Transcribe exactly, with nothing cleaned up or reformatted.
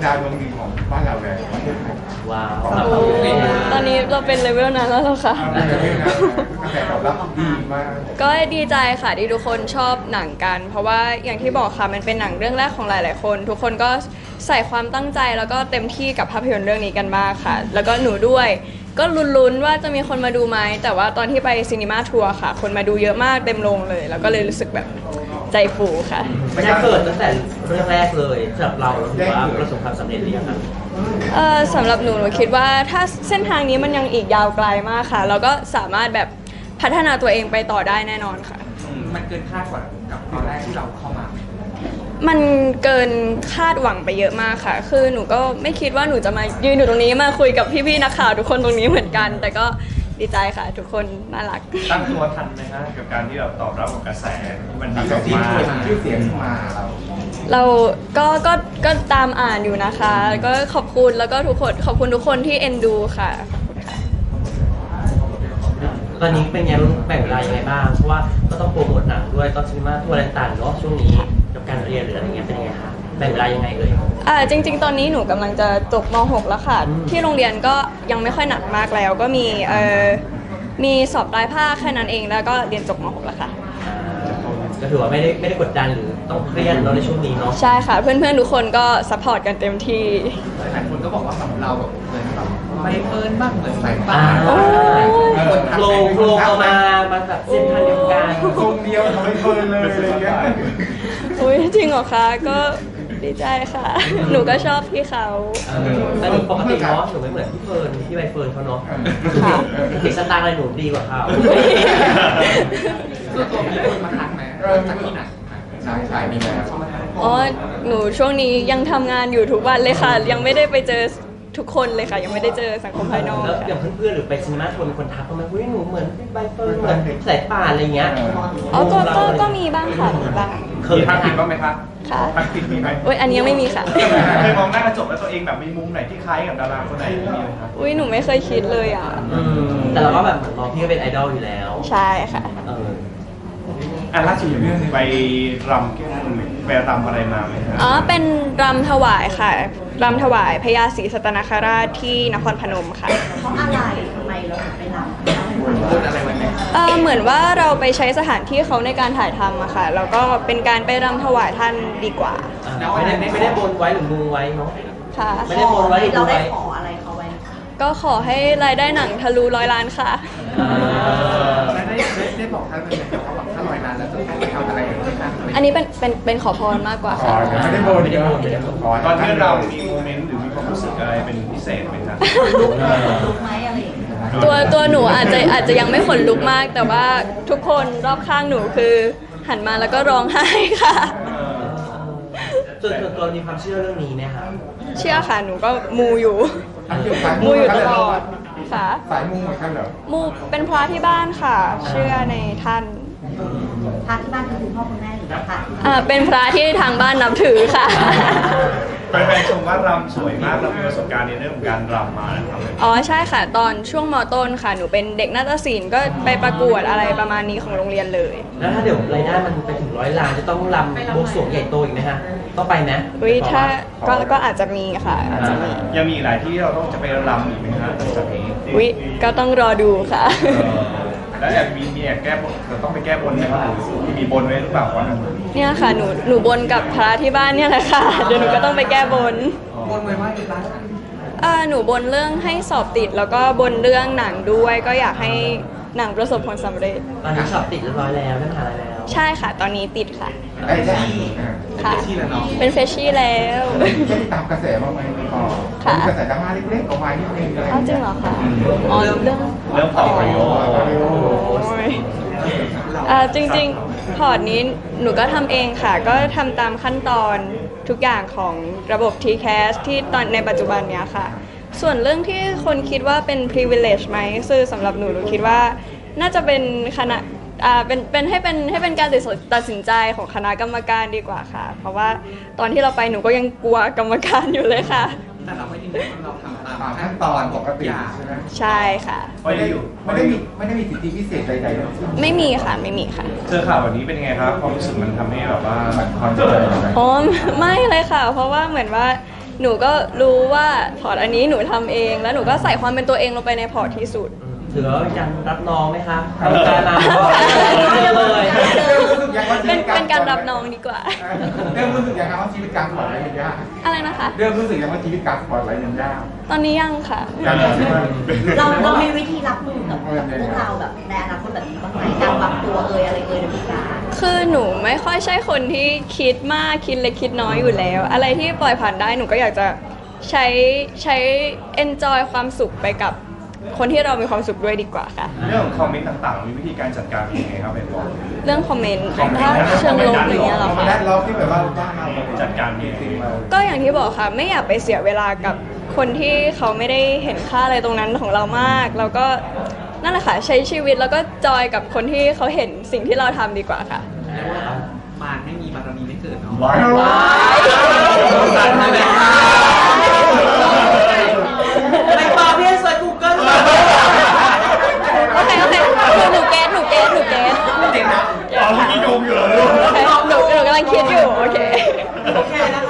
ดาวดวงดีของบ้านเราเลยว้าวตอนนี้เราเป็นเลเวลนั้นแล้วเหรอคะกระแสตอบรับดีมากก็ดีใจค่ะที่ทุกคนชอบหนังกันเพราะว่าอย่างที่บอกค่ะมันเป็นหนังเรื่องแรกของหลายๆคนทุกคนก็ใส่ความตั้งใจแล้วก็เต็มที่กับภาพยนตร์เรื่องนี้กันมากค่ะแล้วก็หนูด้วยก็ลุ้นๆว่าจะมีคนมาดูไหมแต่ว่าตอนที่ไปซีนีมาทัวร์ค่ะคนมาดูเยอะมากเต็มโรงเลยแล้วก็เลยรู้สึกแบบใจฟูค่ะไม่ได้เกิดตั้งแต่เรื่องแรกเลยสำหรับเราหรือว่าประสบความสำเร็จหรือยังครับเออสำหรับหนูหนูคิดว่าถ้าเส้นทางนี้มันยังอีกยาวไกลมากค่ะเราก็สามารถแบบพัฒนาตัวเองไปต่อได้แน่นอนค่ะมันเกินคาดกว่ากับตอนแรกที่เราเข้ามามันเกินคาดหวังไปเยอะมากค่ะคือหนูก็ไม่คิดว่าหนูจะมายืนอยู่ตรงนี้มาคุยกับพี่ๆนักข่าวทุกคนตรงนี้เหมือนกันแต่ก็ดีใจค่ะทุกคนน่ารักตั้งตัวทันไหมฮะกับการที่เราตอบรับกับกระแสที่มันดีออกมาชื่อเสียงมาเราเราก็ก็ก็ตามอ่านอยู่นะคะก็ขอบคุณแล้วก็ทุกคนขอบคุณทุกคนที่เอ็นดูค่ะตอนนี้เป็นไงแบ่งเวลายังไงบ้างเพราะว่าก็ต้องโปรโมทหนังด้วยก็ซีนีมาทัวร์ต่างๆเนาะช่วงนี้กับการเรียนหรืออะไรเงี้ยเป็นยังไงคะแบ่งเวลายังไงเอ่ยอ่าจริงๆตอนนี้หนูกำลังจะจบม หก แล้วค่ะที่โรงเรียนก็ยังไม่ค่อยหนักมากแล้วก็มีเอ่อมีสอบปลายภาคแค่นั้นเองแล้วก็เรียนจบม หก แล้วค่ะก็ถือว่าไม่ได้ไม่ได้กดดันหรือต้องเครียดเนาะในช่วงนี้เนาะใช่ค่ะเพื่อนๆทุกคนก็ซัพพอร์ตกันเต็มที่หลายคนก็บอกว่าของเราแบบเหมือนแบบใบเฟิร์นบ้างเหมือนสายป่าโลงโลงเอามามาแบบเส้นทางเดียวกันทรงเดียวทำให้เฟิร์นเลยอะไรเงี้ยอุ้ยจริงเหรอคะก็ดีใจค่ะหนูก็ชอบพี่เขาแต่หนูปกติเนาะหนูไม่เหมือนพี่เฟิร์นพี่ใบเฟิร์นเขาเนาะติดสตางค์อะไรหนูดีกว่าเขาตัวตัวมีคนมาทักไหมจากที่ไหนใช่ใช่มีแล้วอ๋อหนูช่วงนี้ยังทำงานอยู่ทุกวันเลยค่ะยังไม่ได้ไปเจอทุกคนเลยค่ะยังไม่ได้เจอสังคมภายนอกแล้วอย่างเพื่อนๆหรือไปซีนีมาทัวร์มีคนทักเขาไหมว่าหนูเหมือนใบเฟิร์นเหมือนสายป่านอะไรเงี้ยอ๋อก็ก็ก็มีบ้างค่ะมีบ้างเคยทักผิดบ้างไหมคะค่ะทักผิดมีไหมอุ้ยอันนี้ยังไม่มีค่ะเคยมองหน้ากระจกแล้วตัวเองแบบมีมุมไหนที่คล้ายกับดาราคนไหนมีไหมคะอุ้ยหนูไม่เคยคิดเลยอ่ะแต่เราก็แบบเหมือนมองพี่ก็เป็นไอดอลอยู่แล้วใช่ค่ะอ่ะล่าสุดอย่างนี้ไปรำแก้บนไปรำอะไรมาไหมครับอ๋อเป็นรำถวายค่ะรำถวายพญาศรีสัตนคราชที่นครพนมค่ะเพราะอะไรทำไมเราถึงไปรำอะไรวันนี้เออเหมือนว่าเราไปใช้สถานที่เขาในการถ่ายทำอะค่ะแล้วก็เป็นการไปรำถวายท่านดีกว่าไม่ได้ไม่ได้บนไว้หรือมูไว้เนาะค่ะไม่ได้บนไว้หรือเรามูไว้ได้ขออะไรเขาไว้ก็ขอให้รายได้หนังทะลุร้อยล้านค่ะได้ได้บอกท่านไหมเขาบอกถ้าร้อยล้านแล้วจะต้องไปทำอะไรอันนี้เป็นเป็นเป็นขอพรมากกว่าค่ะไม่ได้บนไม่ได้บนตอนที่เรามีโมเมนต์หรือมีความรู้สึกอะไรเป็นพิเศษไหมครับลุกลุกไหมอะไรอย่างเงี้ยตัวตัวหนูอาจจะอาจจะยังไม่ขนลุกมากแต่ว่าทุกคนรอบข้างหนูคือหันมาแล้วก็ร้องไห้ค่ะส่วนตัวมีความเชื่อเรื่องนี้ไหมคะเชื่อค่ะหนูก็มูอยู่มูอยู่ตลอดค่ะสายมูเหมือนกันเหรอมูเป็นพระที่บ้านค่ะเชื่อในท่านพระที่บ้านคือคุณพ่อคุณแม่หรือพระอ่าเป็นพระที่ทางบ้านนับถือค่ะแฟนๆชมว่ารำสวยมากเรามีประสบการณ์ในเรื่องของการรำมานะครับอ๋อใช่ค่ะตอนช่วงม.ต้นค่ะหนูเป็นเด็กนาฏศิลป์ก็ไปประกวดอะไรประมาณนี้ของโรงเรียนเลยแล้วถ้าเดี๋ยวรายได้มันไปถึงร้อยล้านจะต้องรำบวงสรวงใหญ่โตอีกไหมฮะต้องไปนะวิถ้าก็ก็อาจจะมีค่ะอาจจะมียังมีหลายที่เราต้องจะไปรำอีกไหมฮะหลังจากนี้วิก็ต้องรอดูค่ะแล้วอยากมีมีอยากแก้บนเราต้องไปแก้บนไหมครับมีบนไว้หรือเปล่าวันนั้นเนี่ยค่ะหนูหนูบนกับพระที่บ้านเนี่ยแหละค่ะเดี๋ยวหนูก็ต้องไปแก้บนบนไว้ว่าอีกร้านอ่าหนูบนเรื่องให้สอบติดแล้วก็บนเรื่องหนังด้วยก็อยากให้หนังประสบผลสำเร็จตอนนี้สอบติดเรียบร้อยแล้วได้มหาลัยแล้วใช่ค่ะตอนนี้ติดค่ะไอ้ใช่ค่ะเป็นเฟชชี่แล้วไม่ได้ตามกระแสบ้างไหมอ๋อมีกระแสดราม่าเล็กๆออกมานิดนึงอะไรจริงเหรอคะอ๋อเรื่องเรื่องพอร์ตโอ่าจริงๆพอร์ตนี้หนูก็ทำเองค่ะก็ทำตามขั้นตอนทุกอย่างของระบบ ที แคส ที่ตอนในปัจจุบันเนี้ยค่ะส่วนเรื่องที่คนคิดว่าเป็น privilege ไหมคือสำหรับหนูหนูคิดว่าน่าจะเป็นคณะอ่าเป็นเป็นให้เป็นให้เป็นการตัดสินใจของคณะกรรมการดีกว่าค่ะเพราะว่าตอนที่เราไปหนูก็ยังกลัวกรรมการอยู่เลยค่ะแต่เราไม่ยินดีเราทำตามขั้นตอนปกติใช่ไหมใช่ค่ะไม่ได้ไม่ได้มีไม่ได้มีสิทธิพิเศษใดๆทั้งสิ้นไม่มีค่ะไม่มีค่ะเจอข่าวแบบนี้เป็นไงครับความรู้สึกมันทำให้แบบว่าความเจริญอ๋อไม่เลยค่ะเพราะว่าเหมือนว่าหนูก็รู้ว่าพอร์ตอันนี้หนูทำเอง แล้วหนูก็ใส่ความเป็นตัวเองลงไปในพอร์ตที่สุดถือว่าเป็นการรับน้องไหมคะทำการมาก็เลยเป็นเป็นการรับน้องดีกว่าเริ่มรู้สึกยังไงว่าชีวิตการสปอร์ตไลท์มันยากอะไรนะคะเริ่มรู้สึกยังว่าชีวิตการสปอร์ตไลท์มันยากตอนนี้ยังค่ะการใช่ไหมเราเรามีวิธีรับมือกับกับพวกเราแบบในอนาคตแบบนี้บ้างไหมการปรับตัวเอ่ยอะไรเอ่ยในวงการคือหนูไม่ค่อยใช่คนที่คิดมากคิดเล็กคิดน้อยอยู่แล้ว อะไรที่ปล่อยผ่านได้หนูก็อยากจะใช้ใช้ enjoy ความสุขไปกับคนที่เรามีความสุขด้วยดีกว่าค่ะเรื่องของคอมเมนต์ต่างๆ มีวิธีการจัดการยังไงครับเป็นบอกเรื่องคอมเมนต์ถ้าเชิงลบอย่างเงี้ยเหรอคอมคะเมนต์เราที่แบบว่าบ้านเราจัดการยังไงจริงๆเราก็อย่างที่บอกค่ะ ไม่อยากไปเสียเวลากับคนที่เขาไม่ได้เห็นค่าอะไรตรงนั้นของเรามาก แล้วก็นั่นแหละค่ะใช้ชีวิตแล้วก็จอยกับคนที่เขาเห็นสิ่งที่เราทำดีกว่าค่ะมารไม่มีบารมีไม่เกิดเนาะว้าวสั่นเลยค่ะไม่ตอบพี่เซิร์ชกูเกิลโอเคโอเคหนูเกตหนูเกตหนูเกตจริงนะอ๋อเมื่อกี้โยมอยู่เหรอลูกโอเคหนูหนูกำลังคิดอยู่โอเคโอเคนะ